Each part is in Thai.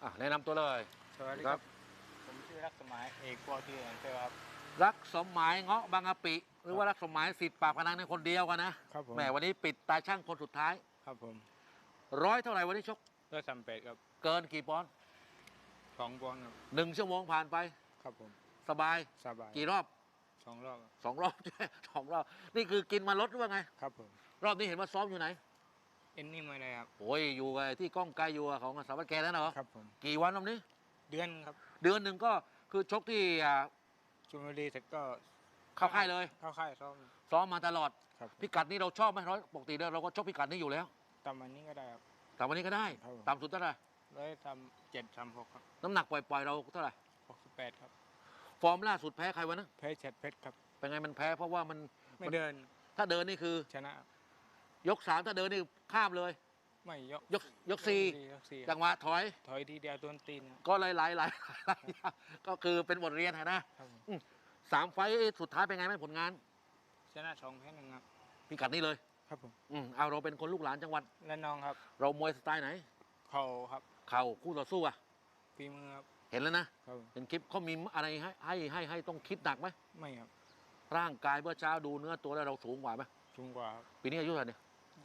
แนะนำตัวเลยสวัสดีครับผมชื่อรักสมัยเอกปอทีแอนเซอร์ครับรักสมหมายเงาะบางกะปิหรือว่ารักสมหมายสิทธิ์ปากพนังในคนเดียวกันนะครับผมแหมวันนี้ปิดตาช่างคนสุดท้ายครับผมร้อยเท่าไหร่วันนี้ชก 138ครับเกินกี่ปอนด์ 2 ปอนด์ครับ 1 ชั่วโมงผ่านไปครับผมสบายสบายกี่รอบ 2 รอบ 2 รอบใช่2 รอบนี่คือกินมาลดหรือว่าไงครับผมรอบนี้เห็นว่าซ้อมอยู่ไหนเอ็นนี่ไม่ได้ครับโอ้ยอยู่ไงที่ก้องไกลอยู่ของสารวัตรแกนั่นเหรอครับผมกี่วันรอบนี้เดือนครับเดือนหนึ่งก็คือชกที่ชลบุรีเสร็จก็เข้าค่ายเลยเข้าค่ายซ้อมมาตลอดครับพิกัดนี้เราชอบไหมปกติเราก็ชกพิกัดนี้อยู่แล้วตามวันนี้ก็ได้ครับแต่วันนี้ก็ได้ต่ำสุดเท่าไหร่ 137-36ครับน้ำหนักปล่อยเราเท่าไหร่ 68ครับฟอร์มล่าสุดแพ้ใครวะนะแพ้เฉดเพชรครับเป็นไงมันแพ้เพราะว่ามันไม่เดินถ้าเดินนี่คือชนะยก3ถ้าเดินนี่ข้ามเลยไม่ยก4จังหวะถอยทีเดียวโดนตีนก็หลายก็คือเป็นบทเรียนนะ3 ไฟต์สุดท้ายเป็นไงไหมผลงานชนะ2แพ้1ครับพิกัดนี้เลยครับผมเอาเราเป็นคนลูกหลานจังหวัดและน้องครับเรามวยสไตล์ไหนเข่าครับเข่าคู่ต่อสู้ฝีมือครับเห็นแล้วนะเห็นคลิปเขามีอะไรให้ต้องคิดหนักไหมไม่ครับร่างกายเมื่อเช้าดูเนื้อตัวแล้วเราสูงกว่าไหมสูงกว่าปีนี้อายุเท่าไหร่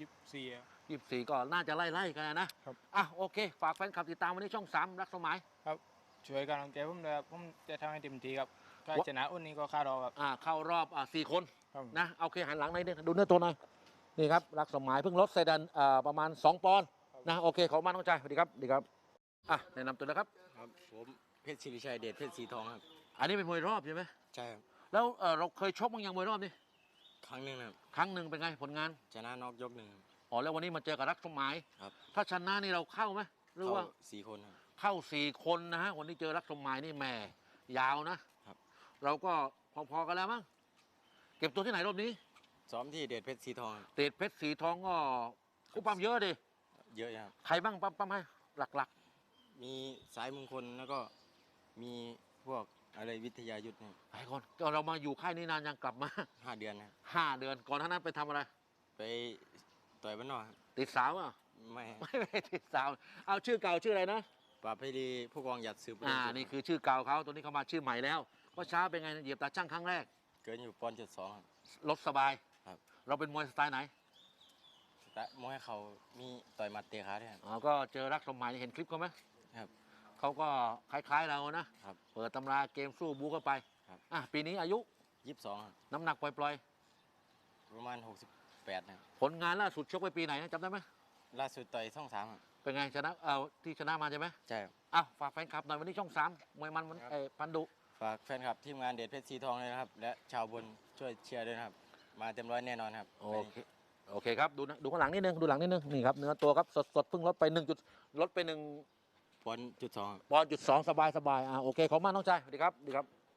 24 ก็น่าจะไล่กันนะครับโอเคฝากแฟนคลับติดตามวันนี้ช่อง3รักสมัยครับช่วยกันลังใจผมเลยผมจะทำให้เต็มที่ครับถ้าชนะอุ่นนี้ก็ค่ารอครับเข้ารอบ4 คนนะโอเคหันหลังหน่อยดูเนื้อตัวหน่อยนี่ครับรักสมัยเพิ่งลดเซดันประมาณ2 ปอนด์นะโอเคขอบคุณน้องใจสวัสดีครับแนะนำตัวนะครับครับผมเพชรศิริชัยเดชเพชรสีทองครับอันนี้เป็นมวยรอบใช่ไหมใช่ครับแล้วเราเคยชกมั้งยังมวยรอบนี่ครั้งหนึ่งครับครั้งหนึ่งเป็นไงผลงานชนะน็อกยก1 แล้ววันนี้มาเจอกับรักสมัยครับถ้าชนะนี่เราเข้าไหมหรือว่า 4 คนเข้า4 คนนะฮะวันนี้เจอรักสมัยนี่แหม่ยาวนะครับเราก็พอๆกันแล้วมั้งเก็บตัวที่ไหนรอบนี้ซ้อมที่เดชเพชรสีทองเดชเพชรสีทองก็คู่ปั๊มเยอะดิเยอะครับใครบ้างปั๊มให้หลักๆมีสายมงคลแล้วก็มีพวกอะไรวิทยายุทธ์หลายคนก็เรามาอยู่ค่ายนี้นานยังกลับมา 5 เดือนนะ 5 เดือนก่อนหน้านั้นไปทำอะไรไปต่อยบ้านนอกติดสาวไม่ติดสาวเอาชื่อเก่าชื่ออะไรนะปราบให้ดีผู้กองหยัดสืบนี่คือชื่อเก่าเขาตัวนี้เขามาชื่อใหม่แล้วว่าเช้าเป็นไงเหยียบตาช่างครั้งแรกเกินอยู่1.2 ลดสบายครับเราเป็นมวยสไตล์ไหนแต่มวยเขามีต่อยหมัดเตะขาด้วยก็เจอรักสมัยเห็นคลิปเขาไหมครับเขาก็คล้ายๆเรานะครับเปิดตำราเกมสู้บู๊เข้าไปครับปีนี้อายุ 22 น้ำหนักปล่อยประมาณ68นะผลงานล่าสุดชกไปปีไหนนะจำได้ไหมล่าสุดต่อยช่อง3 เป็นไงชนะที่ชนะมาใช่ไหมใช่ฝากแฟนคลับหน่อยวันนี้ช่อง3มวยมันพันดุฝากแฟนคลับทีมงานเดชเพชรสีทองเลยนะครับและชาวบนช่วยเชียร์ด้วยนะครับมาเต็มร้อยแน่นอนครับโอเคครับดูข้างหลังนิดนึงนี่ครับเนื้อตัวครับสดเพิ่งลดไป1 ปอนด์จุด 2 สบายโอเคขอบคุณมากน้องชายสวัสดีครับ